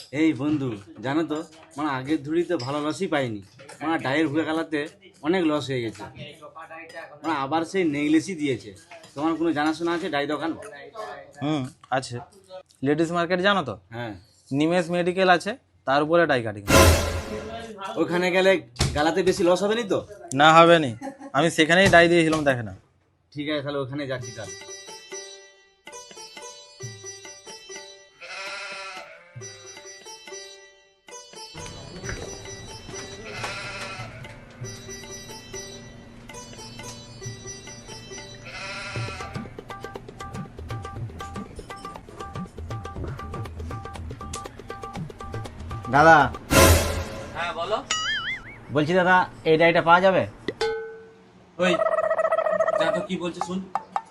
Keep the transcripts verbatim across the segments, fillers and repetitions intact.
এই বন্ধু, জানো তো মানে আগের ধুড়িতে ভালো লসই পাইনি, মানে ডায়ের হুয়ে গেলাতে অনেক লস হয়ে গেছে। মানে আবার সেই নেগলেসই দিয়েছে। তোমার কোনো জানাশোনা আছে ডাই দোকান? হুম, আছে। লেডিস মার্কেট জানো তো? হ্যাঁ, নিমেষ মেডিকেল আছে, তার উপরে ডাই কাটিং। ওখানে গেলে গালাতে বেশি লস হবে নি তো? না, হবে নি। আমি সেখানেই ডাই দিয়েছিলাম, দেখে না। ঠিক আছে, তাহলে ওখানে যাচ্ছি কাল। দাদা, হ্যাঁ বলো। বলছি দাদা, এই ডাইটা পাওয়া যাবে? ওই যা তো কি বলছে শুন।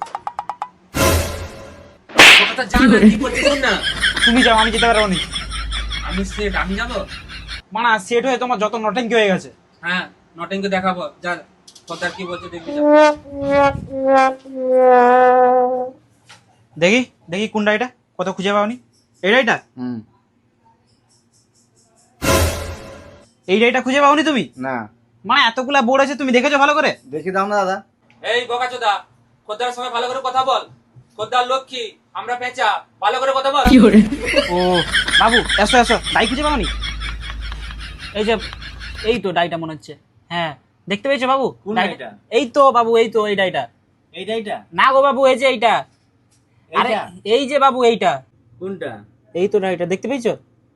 ও কথা জান না, কি বলছে শুন না। তুমি যাও, আমি যেতে পারবো নি। আমি সেট আমি যাবো। মানে সেট হয়ে তোমার যত নটেঙ্কি হয়ে গেছে। হ্যাঁ, নটিংকে দেখাবো। যা কথা কি বলছে দেখবি যা। দেখি দেখি কোন ডাইটা, কত খুঁজে পাওনি? এই ডাইটা? হুম। এই ডাইটা খুঁজে পাওনি তুমি? না, মানে এতগুলা বোর্ড আছে, তুমি দেখেছো ভালো করে? দেখি দাও না দাদা। এই বোকাচোদা, খদ্দার সঙ্গে ভালো করে কথা বল। খদ্দার লক্ষ্মী, আমরা পেঁচা, ভালো করে কথা বল। ও বাবু, এসো এসো, ডাই খুঁজে পাওনি? এই যে, এই তো ডাইটা মনে হচ্ছে। হ্যাঁ, দেখতে পেয়েছো বাবু? কোন ডাইটা? ডাইটা? এই তো বাবু, এই তো এই ডাইটা। এই ডাইটা? না গো বাবু, এই যে এইটা। আরে এইটা? এই যে বাবু, এইটা। কোনটা? এই তো ডাইটা, দেখতে পেয়েছো?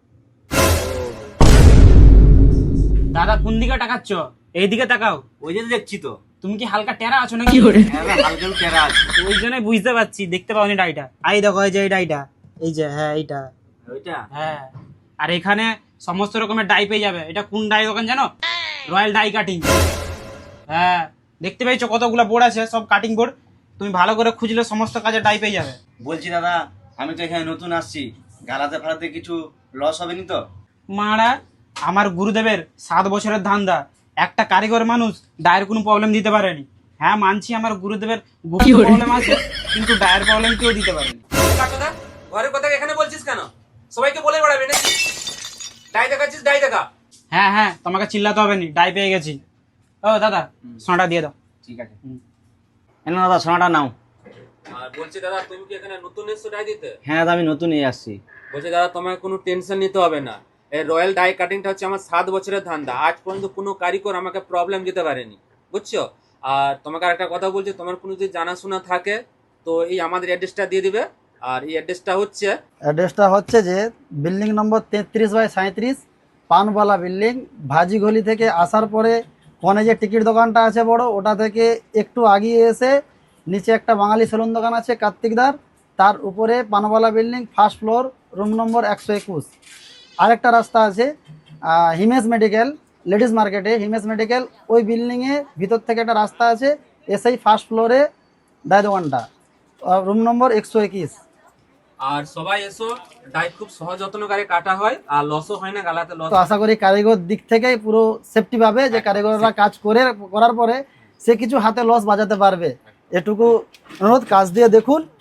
দাদা কোন দিকে তাকাচ্ছ? এইদিকে তাকাও। ওই যে দেখছি তো। তুমি কি হালকা টেরা আছো নাকি? হ্যাঁ, হালকা টেরা আছে। ওই জন্যই বুঝতে পারছি, দেখতে পাওনি ডাইটা। এই দেখো, এই যে এই ডাইটা, এই যে, হ্যাঁ এইটা। ওইটা? হ্যাঁ, আর এখানে সমস্ত রকমের ডাই পেয়ে যাবে। এটা কোন ডাই দোকান জানো? Royal dye cutting. হ্যাঁ, দেখতে পেয়েছো কতগুলো বোর্ড আছে, সব কাটিং বোর্ড। তুমি ভালো করে খুঁজলে সমস্ত কাজে ডাই পেয়ে যাবে। বলছি দাদা, আমি তো এখানে নতুন আসছি, গালাতে ফালাতে কিছু লস হবে নি তো? মারা, আমার গুরুদেবের সাত বছরের ধান্দা, একটা কারিগর মানুষ ডায়ের কোনো প্রবলেম দিতে পারেনি। হ্যাঁ মানছি, আমার গুরুদেবের গুপ্ত প্রবলেম আছে, কিন্তু ডায়ের প্রবলেম কেউ দিতে পারেনি। বোকাচোদা, ঘরের কথা এখানে বলছিস কেন? সবাইকে বলে বেড়াবি না। ডাই দেখাচ্ছিস, ডাই দেখা। হ্যাঁ হ্যাঁ, তোমাকে চিল্লাতে হবে নি, ডাই পেয়ে গেছি। ও দাদা, সোনাটা দিয়ে দাও। ঠিক আছে। এ নাও দাদা, সোনাটা নাও। আর বলছি দাদা, তুমি কি এখানে নতুন এসছো ডাই দিতে? হ্যাঁ দাদা, আমি নতুন এই আসছি। বলছি দাদা, তোমাকে কোনো টেনশন নিতে হবে না। এই রয়্যাল ডাই কাটিংটা হচ্ছে আমার সাত বছরের ধান্দা। আজ পর্যন্ত কোনো কারিগর আমাকে প্রবলেম দিতে পারেনি, বুঝছো? আর তোমাকে আর একটা কথা বলছি, তোমার কোনো যদি জানাশোনা থাকে তো এই আমাদের অ্যাড্রেসটা দিয়ে দিবে। আর এই অ্যাড্রেসটা হচ্ছে, অ্যাড্রেসটা হচ্ছে যে বিল্ডিং নম্বর তেত্রিশ বাই সাঁত্রিশ, পানবালা বিল্ডিং। ভাজিগলি থেকে আসার পরে ফোনে যে টিকিট দোকানটা আছে বড়, ওটা থেকে একটু আগিয়ে এসে নিচে একটা বাঙালি সেলুন দোকান আছে কার্তিকদার, তার উপরে পানবালা building, first floor, room number একশো একুশ। আরেকটা রাস্তা আছে আহ, হিমেশ মেডিকেল, লেডিস মার্কেটে হিমেশ মেডিকেল, ওই বিল্ডিংয়ে ভিতর থেকে একটা রাস্তা আছে, এসেই ফার্স্ট ফ্লোরে ডাই দোকানটা, রুম নম্বর একশো একুশ। আর সবাই এসো। ডাই খুব সহজ যত্নকারে কাটা হয়, আর লসও হয় না, গালাতে লস। তো আশা করি কারিগর দিক থেকেই পুরো সেফটি পাবে, যে কারিগররা কাজ করে করার পরে সে কিছু হাতে লস বাজাতে পারবে। এটুকু অনুরোধ, কাজ দিয়ে দেখুন,